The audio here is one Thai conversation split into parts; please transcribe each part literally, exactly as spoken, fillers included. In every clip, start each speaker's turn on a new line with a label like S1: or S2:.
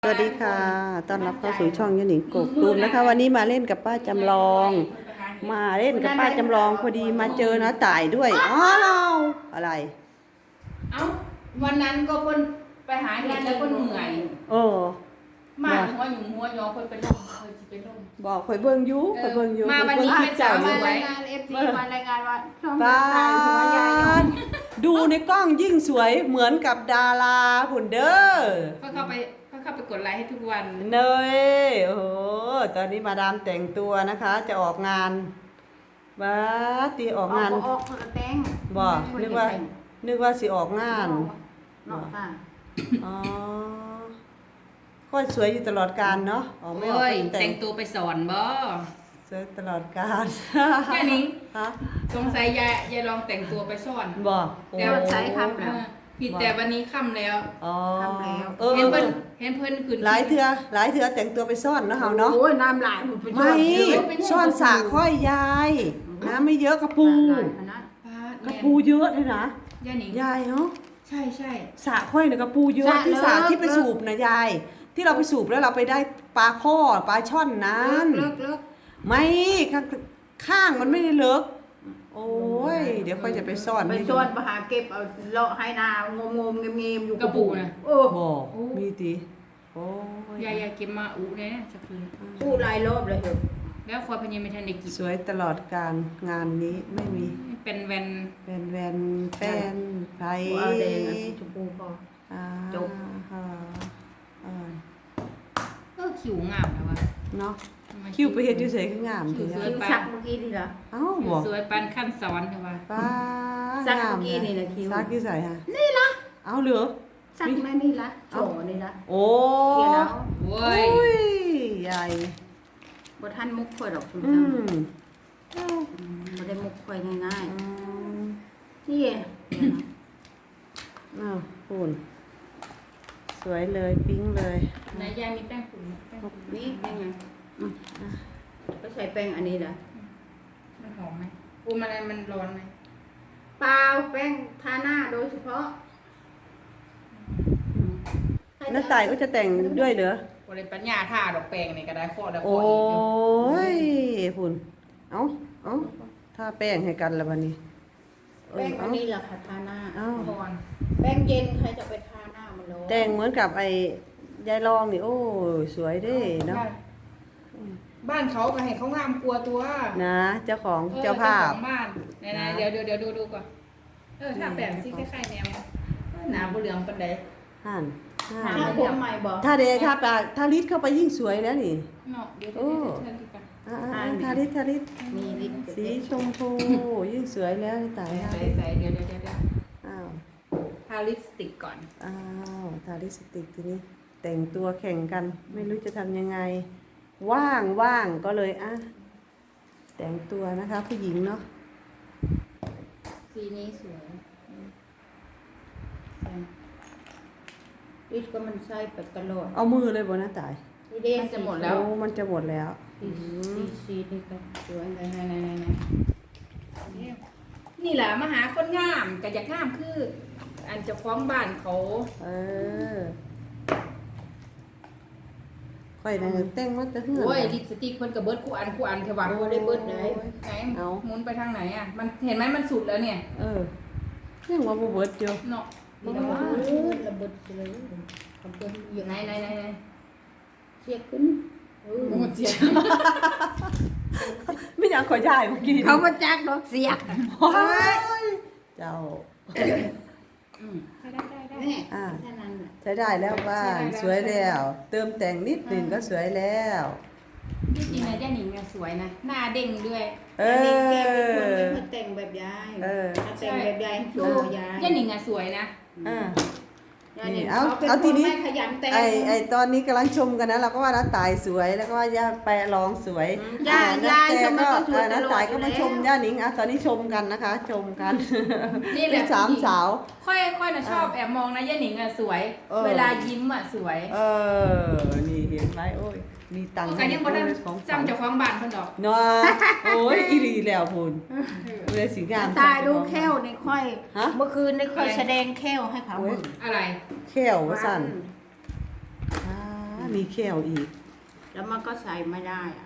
S1: สวัสดีค่ะต้อนรับเข้าสู่ช่องยะหนิงกกตูมนะคะ วันนี้มาเล่นกับป้าจำลอง มาเล่นกับป้าจำลองพอดีมาเจอน้าต่ายด้วยอ้าวอะไร
S2: เอ้าวันนั้นก็เพิ่นไปหาเห็ดแล้วเพิ่นเหนื่อย
S1: เออ
S2: มาหัวหยุ่มหัวยอเพิ่นเป็นลมเพิ่นสิเป็นลม
S1: บอกข่อยเบิ่งอยู่ข่อยเบิ่งอยู่
S2: มาวันนี้
S1: ข่อย
S2: เป็น
S1: เจ้า
S2: สาว
S1: อ
S2: ส
S1: ยู่
S2: วย
S3: รายงานเอฟซีมารายงานว่าช่อง
S1: ป้า
S3: ตายหัวยายยง
S1: ดูในกล้องยิ่งสวยเหมือนกับดาราหุ่นเด้อ
S2: ก็เข้าไปก็เข้าไปกดไลค์ให้ทุกวัน
S1: เนยโอ้โหตอนนี้มาดามแต่งตัวนะคะ จะออกงานบ้าตีออกงาน
S3: ออกคนละแตง
S1: บอกนึกว่า นึกว่าสิออกงาน
S3: เนาะค่ะ
S1: อ๋อก็สวยอยู่ตลอดกาลเนาะออกไม่ออก
S2: โอ้ย
S1: ก็แต่
S2: แต่
S1: ง
S2: งตัวไปสอนบ่
S1: สวยตลอดกาล
S2: ย่านิง
S1: ฮะ
S2: สงสัยยายยายลองแต่งตัวไปสอน
S1: บอกโอ้
S2: แต่วันใช้คำแล้วผิดแต่วันนี้ค่ำแล้ว
S1: อ๋อ
S3: ทำแล้ว
S1: เออ
S2: เห็น
S1: เอ
S2: เพิ่น
S1: อ
S2: เห็นเพิ่นขึ้น
S1: หลายเถื่อหลายเถื่อแต่งตัวไปซ่อนเนาะเฮาเนาะ
S3: โอ้ยน้ำลายมันไป
S1: ไม่ซ่อนสาค่อยยาย น้ำไม่เยอะกระปู
S2: ป้าก
S1: ระปูเยอะเลยนะ
S2: ย่านิง
S1: ยายเนาะ
S2: ใช่ใช่
S1: สาค่อยเนี่ยกระปูเยอะที่สาที่ไปสูบนะยาย ที่เราไปสูบแล้วเราไปได้ปลาข้อปลาช่อนนั้น
S3: เลิกเลิก
S1: ไม่ข้างข้างมันไม่ได้เลิกโอ้ย เดี๋ยวค่อยจะไปซ่อน
S3: ไป
S1: ให้ดู
S3: ซ่อนไปหาเก็บเอาเลาะให้นางงงๆเงียบๆอยู่
S2: กระปูน่ะ
S3: โอ้
S1: บอกมีตีโอ้ย
S2: ยายยายเก็บมาอุเนี่ยจะคืน
S3: พูดหลายรอบเลยเหรอ
S2: แล้วคอยพญาไม่ทันได้กิน
S1: สวยตลอดการงานนี้ไม่มี
S2: เป็นแวน
S1: เป็นแวนแป้นไพร
S3: เอาแดงเอาสีชมพูพอ
S1: อ่า
S3: จบ
S1: อ่าอ่า
S2: ก็คิวงามนะวะ
S1: เนาะคิวไปเฮ็ดอยู่ไสคืองามที
S2: คิ้
S1: นะ
S2: ว
S3: คิวสักเมื่อกี้นี่เหรอ
S1: เอ้า
S2: คิ
S1: บ่
S2: วสวยปันขั้นสอนใช่ปะ
S1: ป้า
S3: สัก
S1: งาม
S3: เมื่อกี้นี่แหละคิ้ว
S1: ซักอยู่ไสฮะ
S3: นี่ละ
S1: เอ้าเหลือ
S3: สักแม่นี่ละโฉนี่ละ
S1: โอ้
S3: เขียนแล้ว
S2: โว้
S1: โอ้
S2: ย
S1: ยใหญ่
S3: บ่ทันมุกค่อยดอกคุณ
S1: อื
S3: จัง
S1: ม
S3: บ่ได้มุกค่อยง่าย
S1: อืม
S3: ๆนี่
S1: อ้าวคุณสวยเลยปิ๊งเลย
S2: ไหนยายมีแป้งฝุ่นไหมแป้งฝุ่น
S3: นี่เป็นไงอืมก็ใช้แป้งอันนี้แหละ
S2: มันหอมไหมปูมันอะไรมันร้อนไหม
S3: เปล่าแป้งทาหน้าโดยเฉพาะ
S1: น้าต่ายก็จะแต่งด้วยเหรอ
S2: โอ้ยปัญญาท่าดอกแป้งนี่ก็ได้ข้อได้ข้
S1: โอ้
S2: ออีกอยู่
S1: ยคุณเอ้าเอ้าถ้าแป้งให้กันแล้ววันนี้เอ
S3: แป้
S1: อง
S3: อั
S1: เอ้าน
S3: นี้แหละค่ะทาหน้า
S1: เอ้า
S2: ก่อน
S3: แป้งเย็นใครจะไปทาหน้ามันร้อน
S1: แต่งเหมือนกับไอ้ยายรองนี่โอ้ยสวยเด้เนาะ
S2: บ้านเขาก็ให้เขางามกลัวตัว
S1: นะเจ้าของ
S2: ออ
S1: เจ้าภาพ
S2: ของบ้านไหนๆเดี๋ยวเดี๋ยวเดี๋ยวดูดูก่อนเออถ้าแปลงซิคล้ายๆแนวหนาบุเหลืองปันใด
S1: ห่าน
S3: ทา
S1: ห่าน
S3: ผมใหม่บอก
S1: ถ้าเดถ้าปากถ้าลิดเข้าไปยิ่งสวยแล้วนี่
S2: เนาะเดี๋ยวเดี๋ยวเดี๋ยวเดี๋ยวดูกัน
S1: อ่าๆทาลิดทาลิด
S3: มีลิ้น
S1: สีชมพูยิ่งสวยแล้วตาย
S2: ใส่ใส่เดี๋ยวเดี๋ยวเดี๋ยวเดี๋ยว
S1: อ้าว
S2: ทาลิปสติกก่อน
S1: อ้าวทาลิปสติกทีนี้แต่งตัวแข่งกัน ไม่รู้จะทำยังไง ว่างว่างก็เลยอ่ะแต่งตัวนะคะ ผู้หญิงเนาะ
S2: สีนี้สวย
S3: ลิ้นก็มันใส่ไปตลอด
S1: เอามือเลยบนหน้าตาย
S3: นี่เด้
S2: มันจะหมดแล้ว
S1: โอ้มันจะหมดแล้ว
S3: สีสีสีนี่ก็สวย
S2: ไหนไหนไหนไหนไหนนี่แหละมาหาคนงามกับอยากงามคือ อันเจ้าของบ้านเขา
S1: เออค่อยนะแต่งมาแต่เหือ
S2: โอ้ยลิปสติกเพิ่นกับเบิร์ดคู่อันคู่อันเทวะ
S3: โอ้ได้เบิดได้
S2: ไหน
S1: เอา
S2: หมุนไปทางไหนอ่ะ มันเห็นไหมมันสุดแล้วเนี่ย
S1: เออยังว่าบ่เบิดอยู่
S2: เนาะ
S3: โอ้ยระเบิดเลยทำเพื่อนอยู่
S2: ไหนไหนไหนไหน
S3: เชียขึ้นเออ
S2: โอ้เจีย
S1: ไม่อยากขอยายเมื่อกี้
S3: เขามาจักดอกเสีย
S1: ว้ายเจ้า
S2: อืมได้ได้ได้ได้
S3: แม่
S1: อ่า
S3: แค่นั้นแหละ
S1: ใช้ได้แล้วบ้าน
S2: ใช้ได้แล้ว
S1: สวยแล้ว เติมแต่งนิดหนึ่งก็สวยแล้ว
S2: ที่จริงนะย่าหนิงเนี่ยสวยนะ หน้าเด้งด้วย
S1: เอ
S3: อันนี้แกเป็นคน
S1: อ
S3: ไม่เคยแต่งแบบยาย
S1: เออ
S3: ถ้าแต่งแบบยายโชว์ยาย
S2: ย่าหนิงอะสวยนะ
S1: อ่า
S3: ยายเนี่ย
S1: เอา
S3: เขาเป็น
S1: เอา
S3: ค
S1: ที
S3: น
S1: นี้
S3: ไม่ขยันแต่ง
S1: ไอไอตอนนี้กำลังชมกันนะเราก็ว่าน้าตายสวยแล้วก็ว่าย่าแปรร้องสวย
S3: ยาย
S1: อ่
S3: ยาย
S1: น้
S3: ทำไม
S1: ก็
S3: ก็สวย
S1: อ่า
S3: ต
S1: น้า
S3: ลอ
S1: ตา
S3: ด
S1: ย
S3: อ
S1: ก็
S3: ยู่
S1: มา
S3: แล้
S1: ช
S3: ว
S1: มย่าหนิงอ่ะตอนนี้ชมกันนะคะ ชมกัน
S2: นี่แห
S1: เป็
S2: ละ
S1: นสามสาว
S2: ค่อยค่อยนะชอบแอบมองนะย่าหนิงอะสวย
S1: เออ
S2: เวลายิ้มอะสวย
S1: เออ นี่เห็นไหมโอ้ย มีตังค์
S2: กันยังบ่ได้
S1: ของฝัน
S2: จำเจ้าของบ้านเพิ่นดอก
S1: เนาะโอ้ยอีหลีแล้วพูนเลยสีงาม
S3: ตายดูแค้วในค่อย
S1: ฮะ
S3: เมื่อคืนในค่อยแสดงแค้วให้เขา
S1: โอ้ย
S3: เบิ่ง
S2: อะไร
S1: แข้วว่าสั่นมีแก้วอีก
S3: แล้วมันก็ใส่ไม่ได้อะ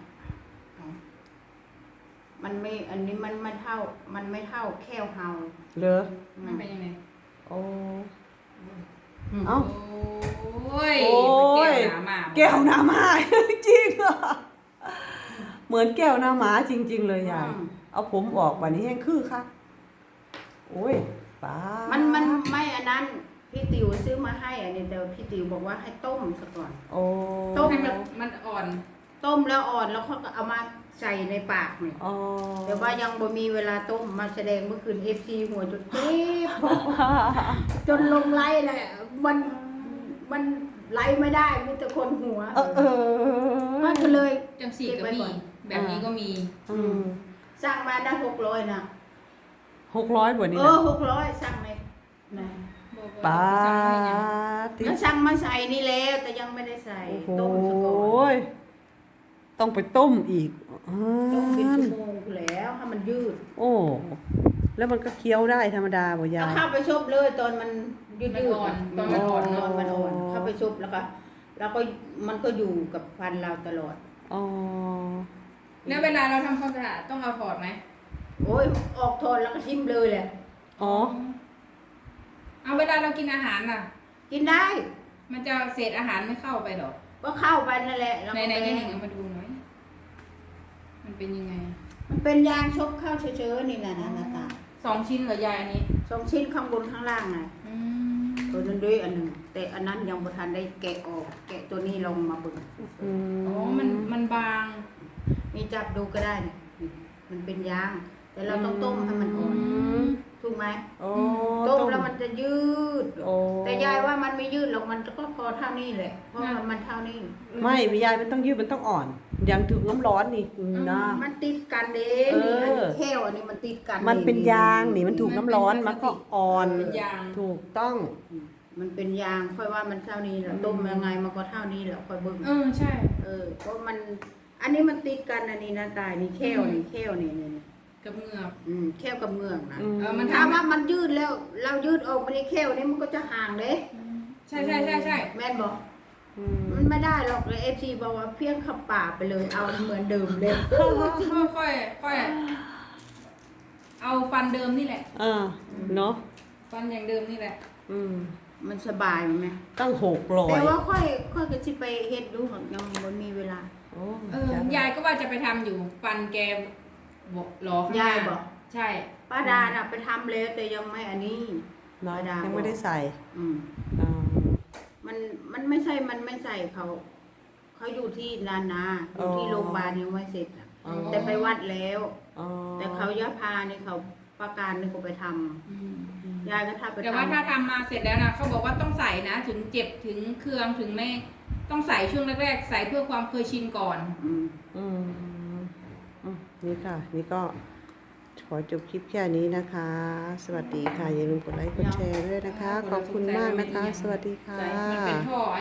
S3: มันไม่อันนี้มันไม่เท่า มันไม่เท่าแค่เฮา
S1: เหรอ
S2: มันเป็นยังไง
S1: โอ้เอ้า
S2: โอ้ย
S1: โอ้ย
S2: มันแก้วหนามา
S1: แก้วหน้าม้า จริงเหรอเหมือนแก้วหน้าม้าจริง ๆ เลยยาย
S3: อืม
S1: เอาผมออกวันนี้แห้งคือค่ะโอ้ยป้า
S3: มันมันไม่อันนั้นพี่ติ๋วซื้อมาให้อันนี้แต่พี่ติ๋วบอกว่าให้ต้มซะก่อน
S1: โอ้
S3: ต้ม
S2: ให้มันมันอ่อน
S3: ต้มแล้วอ่อนแล้วเขาก็เอามาใส่ในปากเนี่ย
S1: อ๋อ
S3: แต่ว่ายังบ่มีเวลาต้มมาแสดงเมื่อคืนเอฟซีหัวจนเจ็บ จนลงไล่เลยมันมันไล่ไม่ได้มีแต่คนหัว
S1: เออเออ
S3: มันก็เลย
S2: จังสีก็มี
S3: เก็บไว้ก่อน
S2: แบบนี้ก็มี
S1: อืม
S3: สร้างมาได้หกร้อยนะ
S1: หกร้อยบาทนี่
S3: เอ
S1: นะ
S3: อหกร้อยสั่งเลยนะ
S1: ป้า
S2: ติ
S1: ติ
S3: ก็สั่งมาใส่นี่แล้วแต่ยังไม่ได้ใส่
S1: โอ้
S3: ต้มซะก่อ
S1: โห
S3: น
S1: ต้องไปต้มอีกอ่
S3: ต้มเป็น
S1: า
S3: ชั่วโมงแล้วให้มันยืด
S1: โอ้ แล้วมันก็เคี้ยวได้ธรรมดาบ่ยา
S3: เอา
S1: ย
S3: เข้าไปชุบเลยตอนมันยืด
S2: มัน
S3: ยืด
S2: อ่อนตอนมันอ่อน
S3: ต
S2: เน
S3: อ
S2: อะ
S3: นมันอ่อนเข้าไปชุบแล้วก็แล้วก็มันก็อยู่กับฟันเราตลอด
S1: อ๋อ
S2: แล้วเวลาเราทำความสะอาดต้องเอาถอดไหม
S3: โอ้ยออกทนแล้วก็ทิ่มเลยแหละ
S1: อ๋อ
S2: เอาเวลาเรากินอาหารน่ะ
S3: กินได้
S2: มันจะเศษอาหารไม่เข้าไปหรอก
S3: ก็เข้าไปนั่นแหละแล้ว
S2: ใน
S3: ก็
S2: ใน
S3: ไป
S2: นี่หนึ่งเอามาดูหน่อย มันเป็นยังไง
S3: มันเป็นยางชกเข้าเฉยๆนี่แหละนะหน้าตา
S2: สองชิ้นเหรอยายอันนี้
S3: สองชิ้นข้างบนข้างล่างไง
S2: อืม
S3: ตัวนั้นด้วยอันหนึ่งแต่อันนั้นยังบ่ทันได้แกะออก แกะตัวนี้ลงมาเบิ่ง
S1: อืม
S2: อ๋อ มันมันบาง
S3: นี่จับดูก็ได้นี่มันเป็นยาง แต่เราต้องต้มให้มันอ่อน
S1: ม
S3: ถูกไหม
S1: โอ้
S3: ต้มแล้วมันจะยืด
S1: โอ้
S3: แต่ยายว่ามันไม่ยืดหรอกมันก็พอเท่านี้แหละเพราะมันมันเท่านี้
S1: ไม่ยายมันต้องยืดมันต้องอ่อน อย่างถึงน้ำร้อนนี่นะ
S3: มันติดกันเด้
S1: เออ
S3: นี่อันนี้แค่วอันนี้มันติดกัน
S1: มันเป็นยางนี่มันถูกน้ำร้อนมันก็อ่อน
S2: เป็นยาง
S1: ถูกต้อง
S3: มันเป็นยางค่อยว่ามันเท่านี้แหละต้มยังไงมันก็เท่านี้แหละค่อยเบิ่ง
S2: เออใช่
S3: เออเพราะมัน อันนี้มันติดกันอันนี้นะตายนี่แค่วนี่แค่วนี่นี่นี่
S2: กับเหงือก
S3: อืมแค่วกับเมืองนะ
S1: อืม
S2: เออมัน
S3: ถ้าว่ามันยืดแล้ว เรายืดออกมาในแค่วนี่มันก็จะห่างเด้
S2: ใช่ใช่ใช่ใช่
S3: แม่นบอก
S1: อืม
S3: มันไม่ได้หรอกเลยเอฟซีบอกว่าเพี้ยงขับป่าไปเลยเอาเหมือนเดิมเลย
S2: ค่อยค่อยค่อยเอาฟันเดิมนี่แหละ
S1: อ่าเนาะ
S2: ฟันอย่างเดิมนี่แหละ
S1: อืม
S3: มันสบายไหม
S1: ตั้งหกร้อย
S3: แต่ว่าค่อยค่อยก็สิไปเฮ็ดดูของยังบ่มีเวลา
S1: โอ้
S2: เออยายก็ว่าจะไปทำอยู่ ฟันแกบอกหลอข้างหน้
S3: ยายบอก
S2: ใช่
S3: ป้าดาน่ะไปทำแล้วแต่ยังไม่อันนี้
S1: น้อย
S3: ธรรมดายั
S1: ยังไม่ได้ใส่
S3: อืม
S1: อ่า
S3: มันมันไม่ใช่มันไม่ใส่เขาเขาอยู่ที่นานาอยู่ที่โรงพยาบาลยังไม่เสร็จอะ
S1: อ๋อ
S3: แต่ไปวัดแล้ว
S1: อ๋อ
S3: แต่เขายะพานี่เขาประการนี่เขาไปทำ
S2: อืม
S3: ยายก็ทำไป
S2: แต่ว่าถ้า
S3: ทำ
S2: ทำมาเสร็จแล้วนะเขาบอกว่าต้องใส่นะ ถึงเจ็บถึงเคืองถึงไม่ต้องใส่ช่วงแรกๆใส่เพื่อความเคยชินก่อน
S3: อืม
S1: อืมอืมนี่ค่ะ นี่ก็ขอจบคลิปแค่นี้นะคะ สวัสดีค่ะ อย่าลืมกดไลค์กดแชร์ด้วยนะคะ ขอบคุณมากนะคะ สวัสดีค่ะ
S2: ใส่มันเป็นท่อ